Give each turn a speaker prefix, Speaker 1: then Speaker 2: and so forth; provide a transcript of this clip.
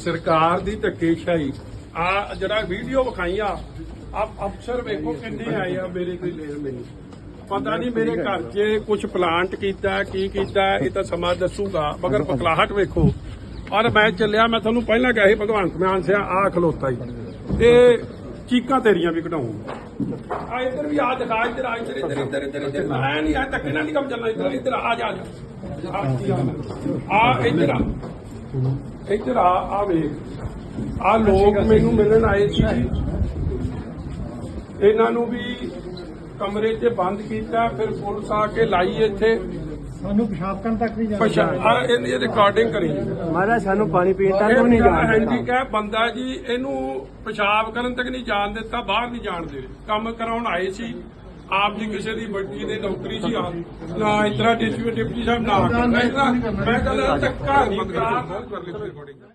Speaker 1: ਸਰਕਾਰ ਦੀ ਧੱਕੇਸ਼ਾਹੀ ਆ ਜਿਹੜਾ ਵੀਡੀਓ ਵਿਖਾਈ ਆ ਅਫਸਰ ਵੇਖੋ ਕਿੰਨੇ ਆਏ ਆ ਮੇਰੇ ਕੋਈ ਲੈਣ ਮੈਨੂੰ ਪਤਾ ਨਹੀਂ ਮੇਰੇ ਘਰ 'ਚ ਕੁਝ ਪਲਾਂਟ ਕੀਤਾ ਕੀ ਕੀਤਾ ਇਹ ਤਾਂ ਸਮਾਂ ਦੱਸੂਗਾ ਮਗਰ ਪਕਲਾਹਟ ਵੇਖੋ ਔਰ ਮੈਂ ਚੱਲਿਆ ਮੈਂ ਤੁਹਾਨੂੰ ਪਹਿਲਾਂ ਕਿਹਾ ਸੀ ਭਗਵੰਤ ਮਾਨ ਸਿਆ ਆ ਖਲੋਤਾ ਹੀ ਤੇ ਚੀਕਾਂ ਤੇਰੀਆਂ ਵੀ ਕਢਾਉਂਗਾ ਆ ਇੱਧਰ ਵੀ ਆ ਦਿਖਾ ਇੱਧਰ ਆ ਇੱਧਰ ਮੈਂ ਨਹੀਂ ਆ ਧੱਕੇ ਨਾਲ ਨਹੀਂ ਕੰਮ ਚੱਲਣਾ ਇੱਧਰ ਆ ਜਾ ਆ ਇੱਧਰ ਆ ਵੇਖ ਆ ਲੋਕ ਮੈਨੂੰ ਮਿਲਣ ਆਏ ਸੀ ਇਹਨਾਂ ਨੂੰ ਵੀ ਕਮਰੇ 'ਚ ਬੰਦ ਕੀਤਾ ਫਿਰ ਪੁਲਿਸ ਆ ਕੇ ਲਾਈ ਇੱਥੇ
Speaker 2: ਸਾਨੂੰ ਪਿਸ਼ਾਬ ਕਰਨ ਤੱਕ ਨਹੀਂ
Speaker 1: ਇਹਦੀ ਰਿਕਾਰਡਿੰਗ ਕਰੀ
Speaker 2: ਮਹਾਰਾਜ ਸਾਨੂੰ ਪਾਣੀ ਪੀਣ ਤੱਕ ਨਹੀਂ ਜਾਣ
Speaker 1: ਹੈਂਡੀਕੈਪ ਬੰਦਾ ਜੀ ਇਹਨੂੰ ਪਿਸ਼ਾਬ ਕਰਨ ਤੱਕ ਨਹੀਂ ਜਾਣ ਦਿੱਤਾ ਬਾਹਰ ਨਹੀਂ ਜਾਣ ਦੇ ਕੰਮ ਕਰਾਉਣ ਆਏ ਸੀ ਆਪ ਜੀ ਕਿਸੇ ਦੀ ਬੱਚੀ ਦੇ ਨੌਕਰੀ ਸੀ ਆ ਨਾ ਇਤਰਾ ਡਿਪਟੀ ਸਾਹਿਬ ਨਾ ਮੈਂ ਕਹਿੰਦਾ ਧੱਕਾ ਨਹੀਂ ਕਰਾ